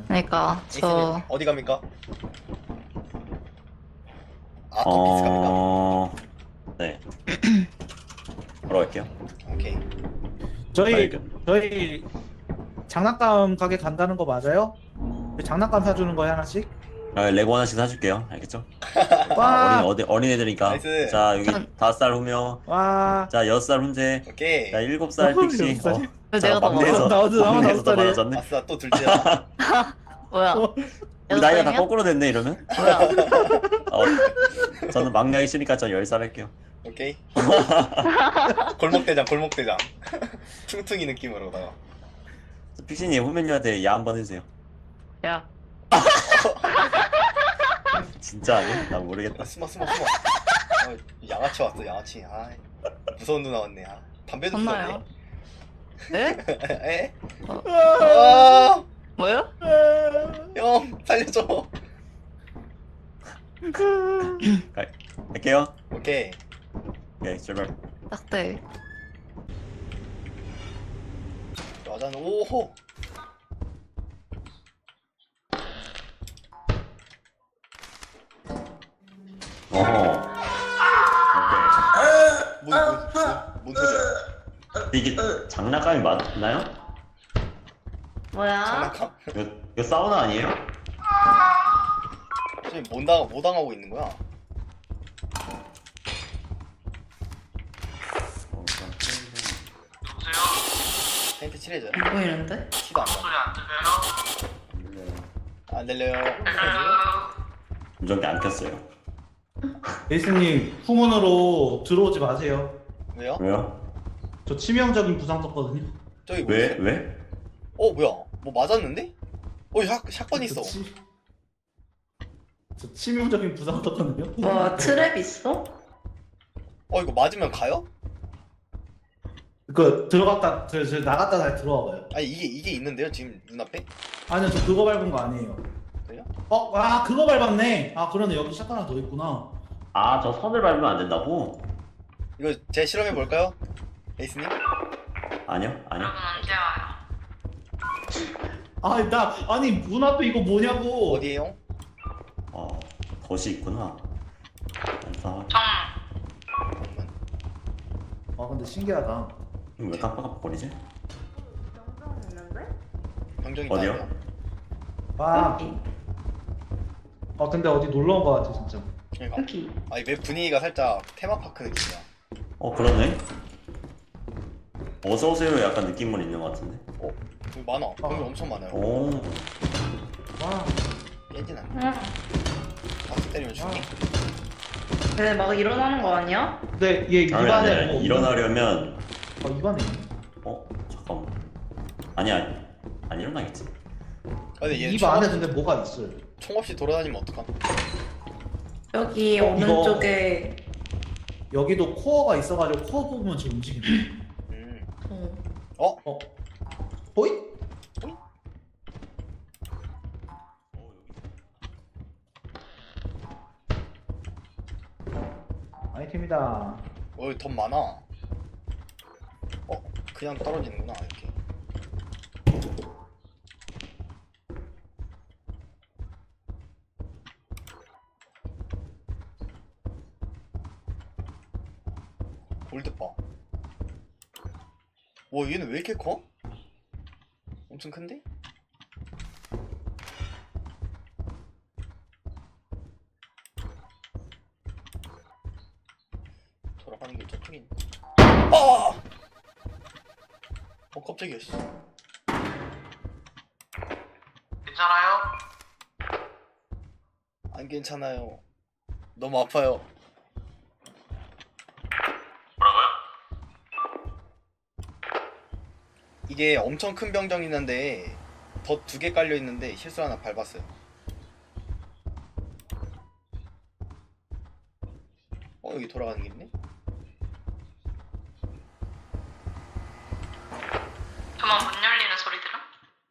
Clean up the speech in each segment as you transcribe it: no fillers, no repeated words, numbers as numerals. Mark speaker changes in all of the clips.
Speaker 1: 그러니까 저
Speaker 2: 어디 갑니까? 아, 또 비스 갑니까?
Speaker 3: 네. 걸어갈게요.
Speaker 2: 오케이.
Speaker 4: 저희
Speaker 3: 발견.
Speaker 4: 저희 장난감 가게 간다는 거 맞아요? 장난감 사주는 거야 하나씩?
Speaker 3: 레고 하나씩 사줄게요. 알겠죠?
Speaker 4: 와,
Speaker 3: 어린애들이니까.
Speaker 2: 나이스.
Speaker 3: 자, 여기
Speaker 1: 전-
Speaker 3: 5살 후며,
Speaker 4: 와.
Speaker 3: 자, 6살 훈제,
Speaker 2: 오케이.
Speaker 3: 자, 7살 픽시.
Speaker 4: 7살이?
Speaker 1: 왜
Speaker 3: 자,
Speaker 1: 내가 더
Speaker 3: 막내에서,
Speaker 4: 많아? 나도
Speaker 3: 막내에서 더
Speaker 4: 5살이에요.
Speaker 3: 많아졌네.
Speaker 2: 아싸, 또 둘째야.
Speaker 1: 뭐야?
Speaker 3: 우리 나이가 다
Speaker 1: 6살이야?
Speaker 3: 거꾸로 됐네, 이러면.
Speaker 1: 뭐야?
Speaker 3: 저는 막내 하기 싫으니까 전 10살 할게요.
Speaker 2: 오케이. 골목대장, 골목대장. 퉁퉁이 느낌으로다가.
Speaker 3: 픽시님 후면녀한테 야 한번 해주세요.
Speaker 1: 야,
Speaker 3: 진짜 아니? 나 모르겠다.
Speaker 2: 아, 숨어. 양아치 왔어, 양아치. 아, 무서운 누나 왔네. 아, 담배도
Speaker 1: 혼나요?
Speaker 2: 피웠네.
Speaker 1: 네?
Speaker 2: 에?
Speaker 1: 어,
Speaker 2: 아,
Speaker 1: 뭐요?
Speaker 2: 형, 살려줘.
Speaker 3: 갈게요.
Speaker 2: 오케이.
Speaker 3: 오케이, 출발.
Speaker 1: 딱대.
Speaker 2: 여자는 오호.
Speaker 3: 어허.
Speaker 2: 뭔 소리야?
Speaker 3: 오케이. 이게 장난감이 맞나요?
Speaker 1: 뭐야?
Speaker 2: 장난감?
Speaker 3: 이거 사우나 아니에요?
Speaker 2: 지금 뭐 당하고 있는 거야? 페인트 칠해줘요.
Speaker 1: 안 보이는데?
Speaker 2: 티도 안 나. 안 들려요.
Speaker 3: 운전기 안 켰어요.
Speaker 4: 에이스님 후문으로 들어오지 마세요.
Speaker 2: 왜요?
Speaker 3: 왜요?
Speaker 4: 저 치명적인 부상 썼거든요.
Speaker 2: 저기 뭐
Speaker 3: 왜?
Speaker 2: 있어?
Speaker 3: 왜?
Speaker 2: 뭐야? 뭐 맞았는데? 샷건 있어.
Speaker 4: 저 치명적인 부상 썼거든요.
Speaker 1: 뭐 트랩 있어?
Speaker 2: 이거 맞으면 가요?
Speaker 4: 그 들어갔다 저 나갔다 다시 들어와봐요.
Speaker 2: 아니 이게 있는데요 지금 눈앞에?
Speaker 4: 아니요, 저 그거 밟은 거 아니에요.
Speaker 2: 그래요?
Speaker 4: 그거 밟았네. 그러네, 여기 샷건 하나 더 있구나.
Speaker 3: 아, 저 선을 밟으면 안 된다고?
Speaker 2: 이거 제 실험해 볼까요? 에이스님?
Speaker 3: 아니요.
Speaker 1: 언제 와요?
Speaker 4: 아니 문 앞에 이거 뭐냐고.
Speaker 2: 어디에요?
Speaker 3: 덫이 있구나. 아,
Speaker 4: 근데 신기하다.
Speaker 3: 이거 왜 깜빡깜빡거리지?
Speaker 2: 병정이
Speaker 3: 어디요?
Speaker 2: 나와요.
Speaker 4: 와. 근데 어디 놀러 온 거 같아 진짜.
Speaker 2: 그러니까.
Speaker 1: 여기.
Speaker 2: 웹 분위기가 살짝 테마파크 느낌이야.
Speaker 3: 그러네. 어서오세요 약간 느낌은 있는 것 같은데.
Speaker 2: 여기 많아. 여기 엄청 많아요.
Speaker 3: 오.
Speaker 4: 와.
Speaker 2: 깨지나?
Speaker 1: 응.
Speaker 2: 박수 때리면 죽니?
Speaker 1: 근데 막 일어나는 거 아니야?
Speaker 4: 근데 얘
Speaker 3: 아니,
Speaker 4: 입안에 뭐
Speaker 3: 일어나려면,
Speaker 4: 입안에 있네.
Speaker 3: 잠깐만. 아니야. 안 일어나겠지.
Speaker 2: 근데 얘
Speaker 4: 입
Speaker 2: 총,
Speaker 4: 안에 근데 뭐가 있어요.
Speaker 2: 총 없이 돌아다니면 어떡함?
Speaker 1: 여기
Speaker 4: 이거-
Speaker 1: 오른쪽에
Speaker 4: 여기도 코어가 있어가지고 코어 부분 지금 움직이네.
Speaker 1: 어,
Speaker 4: 호잇? 아이템이다.
Speaker 2: 여기 돈 많아. 그냥 떨어지는구나 이렇게. 골드바. 와 얘는 왜 이렇게 커? 엄청 큰데? 돌아가는 길 저쪽에 있네. 깜짝이야 씨.
Speaker 5: 괜찮아요?
Speaker 2: 안 괜찮아요. 너무 아파요.
Speaker 5: 뭐라고요?
Speaker 2: 이게 엄청 큰 병정이 있는데 덧 2개 깔려 있는데 실수 하나 밟았어요. 여기 돌아가는 게 있네?
Speaker 1: 저만 문 열리는 소리 들어?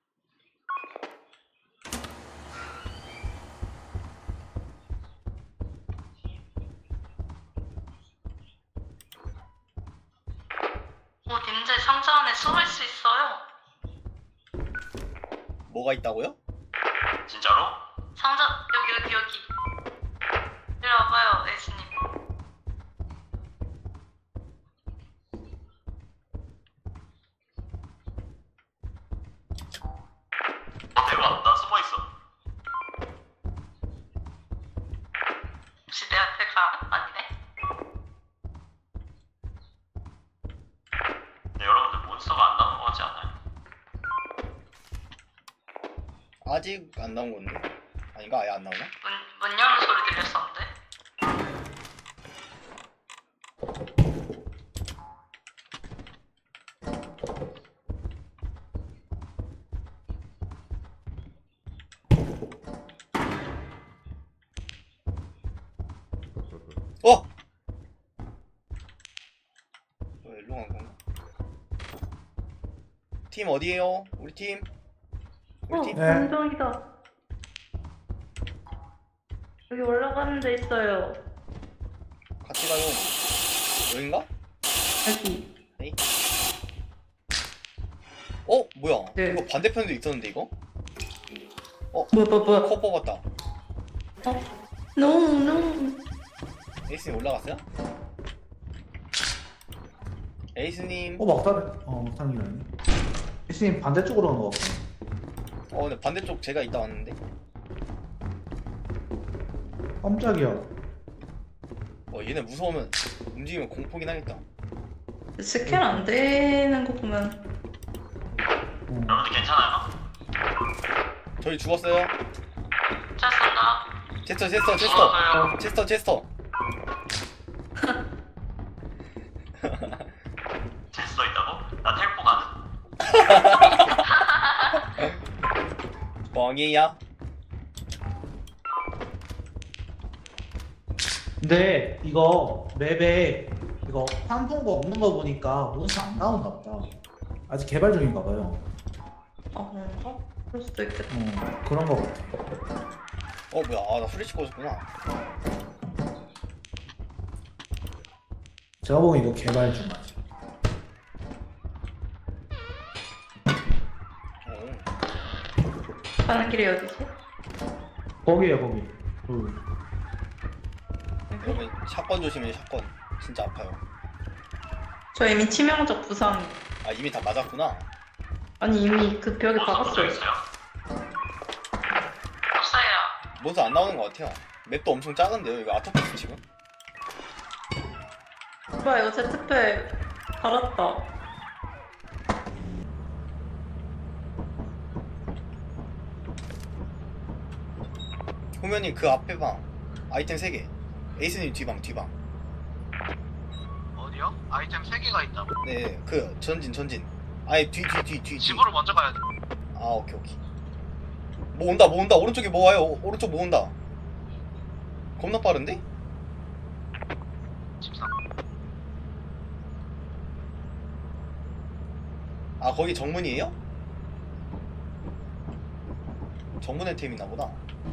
Speaker 1: 님들 상자 안에 숨을 수 있어요.
Speaker 2: 뭐가 있다고요?
Speaker 5: 진짜로?
Speaker 1: 상자 여기. 이리 와봐요, 에이스님.
Speaker 5: 대박, 나 숨어 있어.
Speaker 1: 혹시 내 앞에 가? 아니네.
Speaker 5: 근데 여러분들 몬스터가 안 나오는 거 같지 않아요?
Speaker 2: 아직 안 나온 건데? 아닌가? 아예 안 나오나?
Speaker 1: 문 여는 소리 들렸었는데.
Speaker 2: 어! 일로 간 건가? 팀 어디에요? 우리 팀? 우리 팀?
Speaker 4: 네.
Speaker 1: 감정이다. 여기 올라가는 데 있어요.
Speaker 2: 같이 가요. 여긴가?
Speaker 1: 여기.
Speaker 2: 뭐야?
Speaker 1: 네.
Speaker 2: 이거 반대편도 있었는데 이거?
Speaker 1: 뭐야.
Speaker 2: 코 뽑았다.
Speaker 1: No.
Speaker 2: 에이스님 올라갔어요? 에이스님.
Speaker 4: 막타기라니. 에이스님 반대쪽으로 간 거 같고.
Speaker 2: 근데 반대쪽 제가 이따 왔는데.
Speaker 4: 깜짝이야.
Speaker 2: 얘네 무서우면 움직이면 공포긴 하겠다.
Speaker 1: 스캔 안 되는 거 보면
Speaker 5: 여러분들 괜찮아요?
Speaker 2: 저희 죽었어요.
Speaker 1: 잘 쏜다.
Speaker 2: 제스터.
Speaker 5: 죽었어요.
Speaker 2: 제스터.
Speaker 5: 제스터 있다고? 나 텔포 가능?
Speaker 2: 뻥이야.
Speaker 4: 근데 이거 맵에 이거 환풍구 없는 거 보니까 몬스터 안 나온다 보다. 아직 개발 중인가 봐요.
Speaker 1: 그런가? 그럴 수도 있겠다.
Speaker 4: 그런 거 같아.
Speaker 2: 뭐야? 나 후레쉬 꽂았구나.
Speaker 4: 제가 보기엔 이거 개발 중 아직.
Speaker 1: 가는 길이 어디지?
Speaker 4: 거기에요 거기.
Speaker 2: 여러분 샷건 조심해. 샷건 진짜 아파요.
Speaker 1: 저 이미 치명적 부상.
Speaker 2: 이미 다 맞았구나.
Speaker 1: 아니 이미 그 벽에
Speaker 5: 몬스터 붙어
Speaker 1: 박았어요.
Speaker 5: 있어요?
Speaker 1: 없어요.
Speaker 2: 몬스터 안 나오는 것 같아요. 맵도 엄청 작은데요. 이거 아토피스 지금?
Speaker 1: 오빠 이거 제트팩 달았다.
Speaker 2: 후면님 그 앞에 방 아이템 3개. 에이스님 뒤방.
Speaker 5: 어디요? 아이템 3개가 있다고?
Speaker 2: 네, 그 전진. 아예 뒤.
Speaker 5: 집으로 먼저 가야 돼.
Speaker 2: 오케이. 뭐 온다. 오른쪽에 뭐 와요. 오른쪽 뭐 온다. 겁나 빠른데?
Speaker 5: 집상.
Speaker 2: 거기 정문이에요? 정문의 템이나 보다.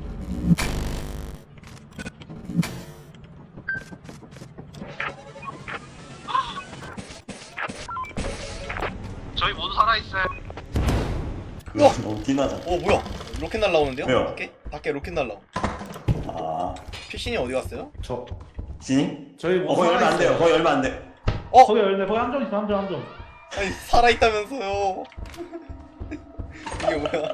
Speaker 5: 저희 모두 살아있어요.
Speaker 3: 그거 너무 티나잖아.
Speaker 2: 뭐야? 로켓 날라오는데요?
Speaker 3: 왜요?
Speaker 2: 밖에 로켓 날라오. 피신이 어디 갔어요?
Speaker 3: 신이?
Speaker 4: 저희 뭐
Speaker 3: 거기 열면 안 돼요. 거기 열면 안 돼.
Speaker 4: 거기 열네. 거기 함정 있어. 함정.
Speaker 2: 아니 살아있다면서요. 이게 뭐야?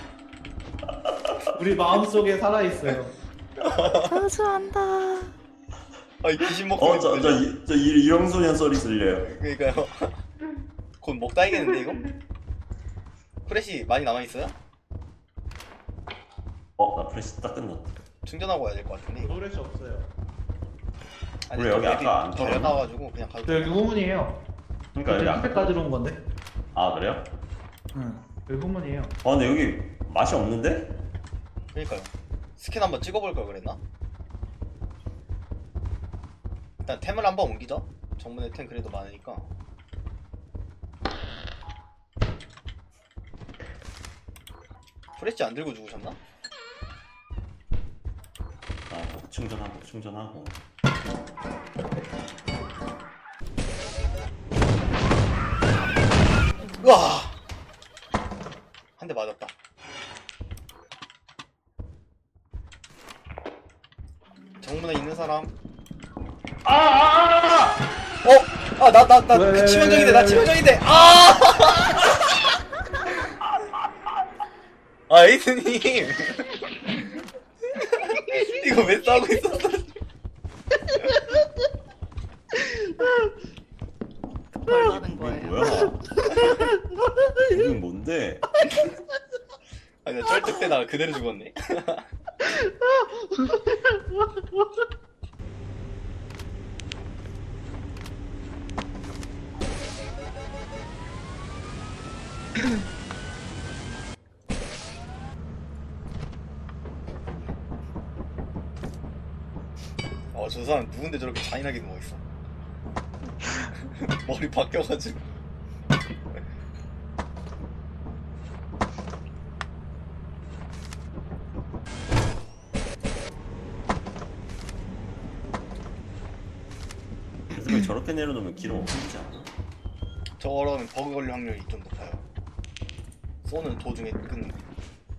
Speaker 4: 우리 마음속에 살아 있어요.
Speaker 1: 사수한다.
Speaker 2: 귀신 목소리 들려.
Speaker 3: 이런 소리 들려요.
Speaker 2: 그러니까요. 곧 먹다이겠는데 이거? 프레시 많이 남아있어요?
Speaker 3: 나 프레시 딱 끝났다.
Speaker 2: 충전하고 와야 될 것 같은데 이거.
Speaker 4: 노래시 없어요.
Speaker 2: 아니
Speaker 3: 우리 여기 아까 안
Speaker 2: 더 열나가지고 그냥 가도
Speaker 4: 저 여기 후문이에요.
Speaker 3: 그러니까 여기 아까.
Speaker 4: 흰색까지 들어온 건데.
Speaker 3: 그래요?
Speaker 4: 응. 여기 후문이에요.
Speaker 3: 근데 여기 맛이 없는데?
Speaker 2: 그러니까요. 스캔 한번 찍어볼 걸 그랬나? 일단 템을 한번 옮기자. 정문에 템 그래도 많으니까. 프레시 안 들고 죽으셨나?
Speaker 3: 충전하고.
Speaker 2: 으아! 한 대 맞았다. 정문에 있는 사람.
Speaker 3: 아!
Speaker 2: 나
Speaker 4: 왜,
Speaker 2: 치명적인데,
Speaker 4: 왜,
Speaker 2: 나
Speaker 4: 왜,
Speaker 2: 치명적인데. 아! 아, 에이스님. 이거 왜 싸우고 있었어?
Speaker 1: 뭘 하는
Speaker 3: 이게
Speaker 1: 거예요?
Speaker 3: 뭐야? 이게 뭔데?
Speaker 2: 아니, 나 쩔뚝대다가 그대로 죽었네. 저 사람 누군데 저렇게 잔인하게 누워있어. 머리 바뀌어가지고.
Speaker 3: 연습을 저렇게 내려놓으면 기록 없지 않아?
Speaker 2: 저거라면 버그 걸릴 확률이 좀 높아요. 쏘는 도중에 끊는 거.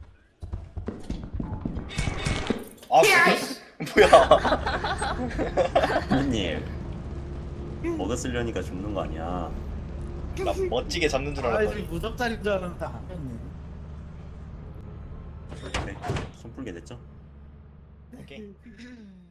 Speaker 2: 아, 뭐야.
Speaker 3: 형님 버그 쓰려니까 죽는 거 아니야.
Speaker 2: 나 멋지게 잡는 줄
Speaker 4: 아,
Speaker 2: 알았더니.
Speaker 4: 지금 무적자리인 줄 알았는데 아니었네.
Speaker 3: 그래 손 풀게 됐죠?
Speaker 2: 오케이.